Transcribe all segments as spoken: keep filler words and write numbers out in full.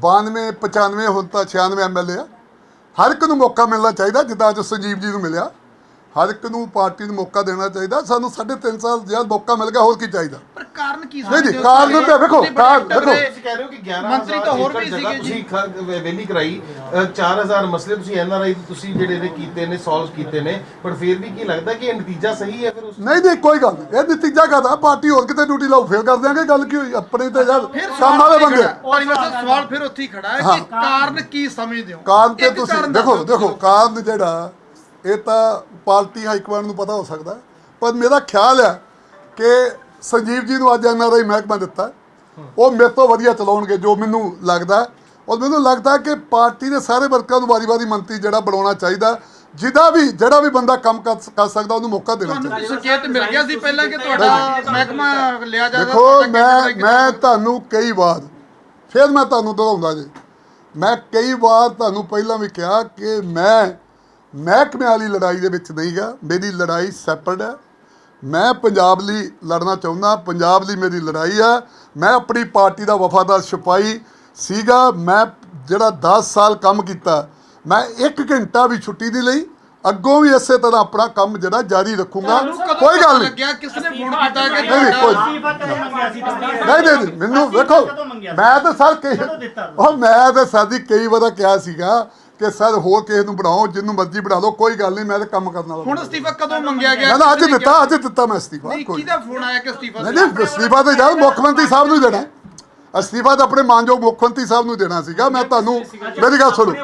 ਬਾਨਵੇਂ ਪਚਾਨਵੇਂ ਹੁਣ ਤਾਂ ਛਿਆਨਵੇਂ ਐਮ ਐਲ ਏ ਆ। ਹਰ ਇੱਕ ਨੂੰ ਮੌਕਾ ਮਿਲਣਾ ਚਾਹੀਦਾ, ਜਿੱਦਾਂ ਅੱਜ ਸੰਜੀਵ ਜੀ ਨੂੰ ਮਿਲਿਆ। ਹਰ ਇੱਕ ਨੂੰ ਪਾਰਟੀ ਨੂੰ ਮੌਕਾ ਦੇਣਾ ਚਾਹੀਦਾ। ਸਾਨੂੰ ਸਾਢੇ ਤਿੰਨ ਸਾਲ ਜਦ ਮੌਕਾ ਮਿਲ ਗਿਆ, ਹੋਰ ਕੀ ਚਾਹੀਦਾ? ਪਰ ਕਾਰਨ ਕੀ ਨਹੀਂ ਜੀ, ਕਾਰਨ ਤਾਂ ਵੇਖੋ, ਕਾਰਨ ਦੇਖੋ, ਤੁਸੀਂ ਕਹਿ ਰਹੇ ਹੋ ਕਿ ਗਿਆਰਾਂ ਮੰਤਰੀ ਤਾਂ ਹੋਰ ਵੀ ਸੀਗੇ ਜੀ। ਤੁਸੀਂ ਵੇਲੀ ਕਰਾਈ ਚਾਰ ਹਜ਼ਾਰ ਮਸਲੇ ਤੁਸੀਂ ਐਨ ਆਰ ਆਈ ਤੁਸੀਂ ਜਿਹੜੇ ਨੇ ਕੀਤੇ ਨੇ, ਸੋਲਵ ਕੀਤੇ ਨੇ, ਪਰ ਫਿਰ ਵੀ ਕੀ ਲੱਗਦਾ ਕਿ ਇਹ ਨਤੀਜਾ ਸਹੀ ਹੈ? ਫਿਰ ਉਸ ਨਹੀਂ ਨਹੀਂ ਕੋਈ ਗੱਲ ਨਹੀਂ, ਇਹ ਨਤੀਜਾ ਕਾਹਦਾ? ਪਾਰਟੀ ਹੋਰ ਕਿਤੇ ਡਿਊਟੀ ਲਾਓ, ਫਿਰ ਕਰ ਦਿਆਂਗੇ। ਗੱਲ ਕੀ ਹੋਈ? ਆਪਣੇ ਤੇ ਯਾਰ ਕੰਮ ਵਾਲੇ ਬੰਦੇ। ਔਰ ਵੈਸੇ ਸਵਾਲ ਫਿਰ ਉੱਥੇ ਹੀ ਖੜਾ ਹੈ ਕਿ ਕਾਰਨ ਕੀ ਸਮਝਦੇ ਹੋ? ਕਾਰਨ ਤੇ ਇੱਕ ਤੁਸੀਂ ਕਾਰਨ ਦੇਖੋ ਦੱਸੋ ਦੇਖੋ ਕਾਰਨ ਜਿਹੜਾ ਇਹ ਤਾਂ ਪਾਰਟੀ ਹਾਈਕਮਾਂਡ ਨੂੰ ਪਤਾ ਹੋ ਸਕਦਾ, ਪਰ ਮੇਰਾ ਖਿਆਲ ਹੈ ਕਿ ਸੰਜੀਵ ਜੀ ਨੂੰ ਅੱਜ ਐਨ ਆਰ ਆਈ ਮਹਿਕਮਾ ਦਿੱਤਾ, ਉਹ ਮੇਰੇ ਤੋਂ ਵਧੀਆ ਚਲਾਉਣਗੇ ਜੋ ਮੈਨੂੰ ਲੱਗਦਾ। ਔਰ ਮੈਨੂੰ ਲੱਗਦਾ ਕਿ ਪਾਰਟੀ ਦੇ ਸਾਰੇ ਵਰਕਰਾਂ ਨੂੰ ਵਾਰੀ-ਵਾਰੀ ਮੰਤਰੀ ਜਿਹੜਾ ਬਣਾਉਣਾ ਚਾਹੀਦਾ। ਜਿਹਦਾ ਵੀ ਜਿਹੜਾ ਵੀ ਬੰਦਾ ਕੰਮ ਕਰ ਕਰ ਸਕਦਾ ਉਹਨੂੰ ਮੌਕਾ ਦੇਣਾ ਚਾਹੀਦਾ। ਤੁਹਾਨੂੰ ਸੰਕੇਤ ਮਿਲ ਗਿਆ ਸੀ ਪਹਿਲਾਂ ਕਿ ਤੁਹਾਡਾ ਮਹਿਕਮਾ ਲਿਆ ਜਾਵੇ? ਦੇਖੋ ਮੈਂ ਮੈਂ ਤੁਹਾਨੂੰ ਕਈ ਵਾਰ ਫਿਰ ਮੈਂ ਤੁਹਾਨੂੰ ਦੁਹਰਾਉਂਦਾ ਜੀ, ਮੈਂ ਕਈ ਵਾਰ ਤੁਹਾਨੂੰ ਪਹਿਲਾਂ ਵੀ ਕਿਹਾ ਕਿ ਮੈਂ ਮਹਿਕਮੇ ਵਾਲੀ ਲੜਾਈ ਦੇ ਵਿੱਚ ਨਹੀਂ ਗਾ। ਮੇਰੀ ਲੜਾਈ ਸੈਪਰੇਟ ਹੈ। ਮੈਂ ਪੰਜਾਬ ਲਈ ਲੜਨਾ ਚਾਹੁੰਦਾ, ਪੰਜਾਬ ਲਈ ਮੇਰੀ ਲੜਾਈ ਆ। ਮੈਂ ਆਪਣੀ ਪਾਰਟੀ ਦਾ ਵਫਾਦਾਰ ਸਿਪਾਹੀ ਸੀਗਾ। ਮੈਂ ਜਿਹੜਾ ਦਸ ਸਾਲ ਕੰਮ ਕੀਤਾ, ਮੈਂ ਇੱਕ ਘੰਟਾ ਵੀ ਛੁੱਟੀ ਨਹੀਂ ਲਈ। ਅੱਗੋਂ ਵੀ ਇਸੇ ਤਰ੍ਹਾਂ ਆਪਣਾ ਕੰਮ ਜਿਹੜਾ ਜਾਰੀ ਰੱਖੂੰਗਾ। ਕੋਈ ਗੱਲ ਨਹੀਂ। ਲੱਗਿਆ ਕਿਸ ਨੇ ਫੋਨ ਕੀਤਾ ਕਿ ਨਹੀਂ ਕੋਈ ਨਹੀਂ ਨਹੀਂ ਮੈਨੂੰ ਵੇਖੋ, ਮੈਂ ਤਾਂ ਸਰ ਕਈ ਉਹ ਮੈਂ ਤਾਂ ਸਾਡੀ ਕਈ ਵਾਰ ਕਿਹਾ ਸੀਗਾ ਕਿ ਸਰ ਹੋਰ ਕਿਸੇ ਨੂੰ ਬਣਾਓ, ਜਿਹਨੂੰ ਮਰਜ਼ੀ ਬਣਾ ਲਓ, ਕੋਈ ਗੱਲ ਨਹੀਂ, ਮੈਂ ਤਾਂ ਕੰਮ ਕਰਨ ਵਾਲਾ। ਹੁਣ ਅਸਤੀਫਾ ਕਦੋਂ ਮੰਗਿਆ ਗਿਆ? ਨਾ ਅੱਜ ਦਿੱਤਾ, ਅੱਜ ਦਿੱਤਾ ਮੈਂ ਅਸਤੀਫਾ। ਨਹੀਂ, ਕਿਹਦਾ ਫੋਨ ਆਇਆ ਕਿ ਅਸਤੀਫਾ? ਨਹੀਂ ਨਹੀਂ ਅਸਤੀਫਾ ਤਾਂ ਯਾਰ ਮੁੱਖ ਮੰਤਰੀ ਸਾਹਿਬ ਨੂੰ ਦੇਣਾ। ਅਸਤੀਫਾ ਤਾਂ ਆਪਣੇ ਮਾਨਯੋਗ ਮੁੱਖ ਮੰਤਰੀ ਸਾਹਿਬ ਨੂੰ ਦੇਣਾ ਸੀਗਾ। ਮੈਂ ਤੁਹਾਨੂੰ ਮੇਰੀ ਗੱਲ ਸੁਣੋ,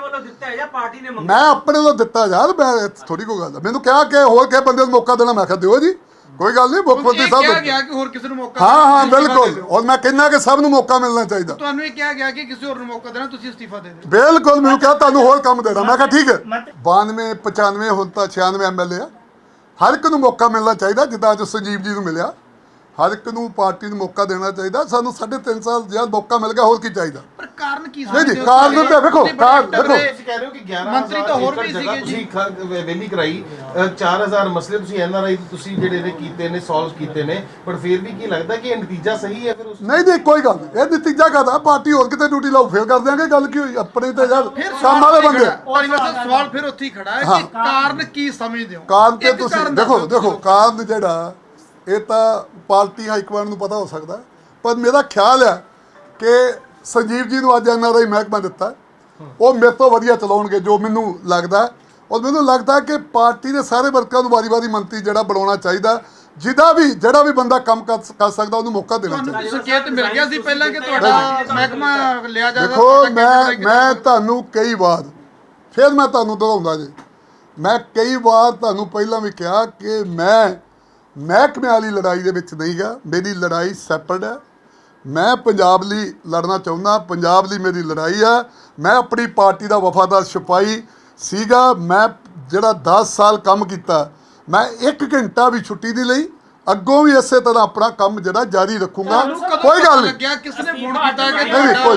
ਮੈਂ ਆਪਣੇ ਵੱਲੋਂ ਦਿੱਤਾ ਯਾਰ, ਮੈਂ ਥੋੜੀ ਕੋਈ ਗੱਲ। ਮੈਨੂੰ ਕਿਹਾ ਕਿ ਹੋਰ ਕਿਸੇ ਬੰਦੇ ਨੂੰ ਮੌਕਾ ਦੇਣਾ, ਮੈਂ ਕਿਹਾ ਦਿਓ ਜੀ, ਕੋਈ ਗੱਲ ਨਹੀਂ। ਮੁੱਖ ਮੰਤਰੀ ਸਾਹਿਬ ਕਿਹਾ ਗਿਆ ਕਿ ਹੋਰ ਕਿਸੇ ਨੂੰ ਮੌਕਾ? ਹਾਂ ਹਾਂ ਬਿਲਕੁਲ। ਔਰ ਮੈਂ ਕਹਿੰਦਾ ਕਿ ਸਭ ਨੂੰ ਮੌਕਾ ਮਿਲਣਾ ਚਾਹੀਦਾ। ਤੁਹਾਨੂੰ ਇਹ ਕਿਹਾ ਗਿਆ ਕਿ ਕਿਸੇ ਹੋਰ ਨੂੰ ਮੌਕਾ ਦੇਣਾ, ਤੁਸੀਂ ਅਸਤੀਫਾ ਦੇ ਦਿਓ? ਬਿਲਕੁਲ। ਮੈਨੂੰ ਕਿਹਾ ਤੁਹਾਨੂੰ ਹੋਰ ਕੰਮ ਦੇਣਾ, ਮੈਂ ਕਿਹਾ ਠੀਕ ਹੈ। ਬਾਨਵੇਂ ਪਚਾਨਵੇਂ ਹੁਣ ਤਾਂ ਛਿਆਨਵੇਂ ਐਮ ਐਲ ਏ ਆ। ਹਰ ਇੱਕ ਨੂੰ ਮੌਕਾ ਮਿਲਣਾ ਚਾਹੀਦਾ, ਜਿੱਦਾਂ ਅੱਜ ਸੰਜੀਵ ਜੀ ਨੂੰ ਮਿਲਿਆ। ਹਰ ਇੱਕ ਨੂੰ ਪਾਰਟੀ ਨੂੰ ਮੌਕਾ ਦੇਣਾ ਚਾਹੀਦਾ। ਸਾਨੂੰ ਸਾਢੇ ਤਿੰਨ ਸਾਲ ਜਦ ਮੌਕਾ ਮਿਲ ਗਿਆ, ਹੋਰ ਕੀ ਚਾਹੀਦਾ? ਪਰ ਕਾਰਨ ਕੀ ਨਹੀਂ ਜੀ, ਕਾਰਨ ਤਾਂ ਵੇਖੋ, ਕਾਰਨ ਦੇਖੋ, ਤੁਸੀਂ ਕਹਿ ਰਹੇ ਹੋ ਕਿ ਗਿਆਰਾਂ ਮੰਤਰੀ ਤਾਂ ਹੋਰ ਵੀ ਸੀਗੇ ਜੀ। ਤੁਸੀਂ ਵੇਲੀ ਕਰਾਈ ਚਾਰ ਹਜ਼ਾਰ ਮਸਲੇ ਤੁਸੀਂ ਐਨ ਆਰ ਆਈ ਤੁਸੀਂ ਜਿਹੜੇ ਨੇ ਕੀਤੇ ਨੇ, ਸੋਲਵ ਕੀਤੇ ਨੇ, ਪਰ ਫਿਰ ਵੀ ਕੀ ਲੱਗਦਾ ਕਿ ਇਹ ਨਤੀਜਾ ਸਹੀ ਹੈ? ਫਿਰ ਉਸ ਨਹੀਂ ਨਹੀਂ ਕੋਈ ਗੱਲ ਨਹੀਂ, ਇਹ ਨਤੀਜਾ ਕਾਹਦਾ? ਪਾਰਟੀ ਹੋਰ ਕਿਤੇ ਡਿਊਟੀ ਲਾਓ, ਫਿਰ ਕਰ ਦਿਆਂਗੇ। ਗੱਲ ਕੀ ਹੋਈ? ਆਪਣੇ ਤੇ ਯਾਰ ਕੰਮ ਵਾਲੇ ਬੰਦੇ। ਔਰ ਵੈਸੇ ਸਵਾਲ ਫਿਰ ਉੱਥੇ ਹੀ ਖੜਾ ਹੈ ਕਿ ਕਾਰਨ ਕੀ ਸਮਝਦੇ ਹੋ? ਕਾਰਨ ਤੇ ਇੱਕ ਤੁਸੀਂ ਕਾਰਨ ਦੇਖੋ ਦੱਸੋ ਦੇਖੋ ਕਾਰਨ ਜਿਹੜਾ ਇਹ ਤਾਂ ਪਾਰਟੀ ਹਾਈਕਮਾਂਡ ਨੂੰ ਪਤਾ ਹੋ ਸਕਦਾ, ਪਰ ਮੇਰਾ ਖਿਆਲ ਹੈ ਕਿ ਸੰਜੀਵ ਜੀ ਨੂੰ ਅੱਜ ਐਨ ਆਰ ਆਈ ਮਹਿਕਮਾ ਦਿੱਤਾ, ਉਹ ਮੇਰੇ ਤੋਂ ਵਧੀਆ ਚਲਾਉਣਗੇ ਜੋ ਮੈਨੂੰ ਲੱਗਦਾ। ਔਰ ਮੈਨੂੰ ਲੱਗਦਾ ਕਿ ਪਾਰਟੀ ਦੇ ਸਾਰੇ ਵਰਕਰਾਂ ਨੂੰ ਵਾਰੀ-ਵਾਰੀ ਮੰਤਰੀ ਜਿਹੜਾ ਬਣਾਉਣਾ ਚਾਹੀਦਾ। ਜਿਹਦਾ ਵੀ ਜਿਹੜਾ ਵੀ ਬੰਦਾ ਕੰਮ ਕਰ ਕਰ ਸਕਦਾ ਉਹਨੂੰ ਮੌਕਾ ਦੇਣਾ ਚਾਹੀਦਾ। ਤੁਹਾਨੂੰ ਸੰਕੇਤ ਮਿਲ ਗਿਆ ਸੀ ਪਹਿਲਾਂ ਕਿ ਤੁਹਾਡਾ ਮਹਿਕਮਾ ਲਿਆ ਜਾਵੇ? ਦੇਖੋ ਮੈਂ ਮੈਂ ਤੁਹਾਨੂੰ ਕਈ ਵਾਰ ਫਿਰ ਮੈਂ ਤੁਹਾਨੂੰ ਦੁਹਰਾਉਂਦਾ ਜੀ, ਮੈਂ ਕਈ ਵਾਰ ਤੁਹਾਨੂੰ ਪਹਿਲਾਂ ਵੀ ਕਿਹਾ ਕਿ ਮੈਂ ਮਹਿਕਮੇ ਵਾਲੀ ਲੜਾਈ ਦੇ ਵਿੱਚ ਨਹੀਂ ਗਾ। ਮੇਰੀ ਲੜਾਈ ਸੈਪਰੇਟ ਹੈ। ਮੈਂ ਪੰਜਾਬ ਲਈ ਲੜਨਾ ਚਾਹੁੰਦਾ, ਪੰਜਾਬ ਲਈ ਮੇਰੀ ਲੜਾਈ ਆ। ਮੈਂ ਆਪਣੀ ਪਾਰਟੀ ਦਾ ਵਫਾਦਾਰ ਸਿਪਾਹੀ ਸੀਗਾ। ਮੈਂ ਜਿਹੜਾ ਦਸ ਸਾਲ ਕੰਮ ਕੀਤਾ, ਮੈਂ ਇੱਕ ਘੰਟਾ ਵੀ ਛੁੱਟੀ ਨਹੀਂ ਲਈ। ਅੱਗੋਂ ਵੀ ਇਸੇ ਤਰ੍ਹਾਂ ਆਪਣਾ ਕੰਮ ਜਿਹੜਾ ਜਾਰੀ ਰੱਖੂੰਗਾ। ਕੋਈ ਗੱਲ ਨਹੀਂ। ਲੱਗਿਆ ਕਿਸ ਨੇ ਫੋਨ ਕੀਤਾ ਕਿ ਨਹੀਂ ਕੋਈ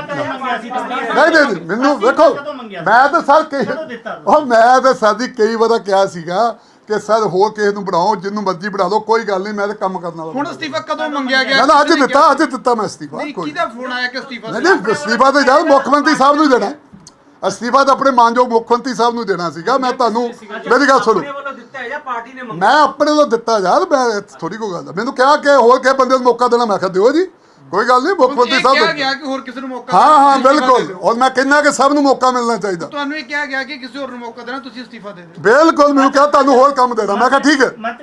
ਨਹੀਂ ਨਹੀਂ ਮੈਨੂੰ ਵੇਖੋ, ਮੈਂ ਤਾਂ ਸਰ ਕਈ ਉਹ ਮੈਂ ਤਾਂ ਸਾਡੀ ਕਈ ਵਾਰ ਕਿਹਾ ਸੀਗਾ ਕਿ ਸਰ ਹੋਰ ਕਿਸੇ ਨੂੰ ਬਣਾਓ, ਜਿਹਨੂੰ ਮਰਜ਼ੀ ਬਣਾ ਲਓ, ਕੋਈ ਗੱਲ ਨਹੀਂ, ਮੈਂ ਤਾਂ ਕੰਮ ਕਰਨ ਵਾਲਾ। ਹੁਣ ਅਸਤੀਫਾ ਕਦੋਂ ਮੰਗਿਆ ਗਿਆ? ਨਾ ਅੱਜ ਦਿੱਤਾ, ਅੱਜ ਦਿੱਤਾ ਮੈਂ ਅਸਤੀਫਾ। ਨਹੀਂ, ਕਿਹਦਾ ਫੋਨ ਆਇਆ ਕਿ ਅਸਤੀਫਾ? ਨਹੀਂ ਨਹੀਂ ਅਸਤੀਫਾ ਤਾਂ ਯਾਰ ਮੁੱਖ ਮੰਤਰੀ ਸਾਹਿਬ ਨੂੰ ਦੇਣਾ। ਅਸਤੀਫਾ ਤਾਂ ਆਪਣੇ ਮਾਨਯੋਗ ਮੁੱਖ ਮੰਤਰੀ ਸਾਹਿਬ ਨੂੰ ਦੇਣਾ ਸੀਗਾ। ਮੈਂ ਤੁਹਾਨੂੰ ਮੇਰੀ ਗੱਲ ਸੁਣੋ, ਮੈਂ ਆਪਣੇ ਵੱਲੋਂ ਦਿੱਤਾ ਯਾਰ, ਮੈਂ ਥੋੜੀ ਕੋਈ ਗੱਲ। ਮੈਨੂੰ ਕਿਹਾ ਕਿ ਹੋਰ ਕਿਸੇ ਬੰਦੇ ਨੂੰ ਮੌਕਾ ਦੇਣਾ, ਮੈਂ ਕਿਹਾ ਦਿਓ ਜੀ, ਕੋਈ ਗੱਲ ਨਹੀਂ। ਮੁੱਖ ਮੰਤਰੀ ਸਾਹਿਬ ਕਿਹਾ ਗਿਆ ਕਿ ਹੋਰ ਕਿਸੇ ਨੂੰ ਮੌਕਾ? ਹਾਂ ਹਾਂ ਬਿਲਕੁਲ। ਔਰ ਮੈਂ ਕਹਿੰਦਾ ਕਿ ਸਭ ਨੂੰ ਮੌਕਾ ਮਿਲਣਾ ਚਾਹੀਦਾ। ਤੁਹਾਨੂੰ ਇਹ ਕਿਹਾ ਗਿਆ ਕਿ ਕਿਸੇ ਹੋਰ ਨੂੰ ਮੌਕਾ ਦੇਣਾ, ਤੁਸੀਂ ਅਸਤੀਫਾ ਦੇ ਦਿਓ? ਬਿਲਕੁਲ। ਮੈਨੂੰ ਕਿਹਾ ਤੁਹਾਨੂੰ ਹੋਰ ਕੰਮ ਦੇਣਾ, ਮੈਂ ਕਿਹਾ ਠੀਕ ਹੈ।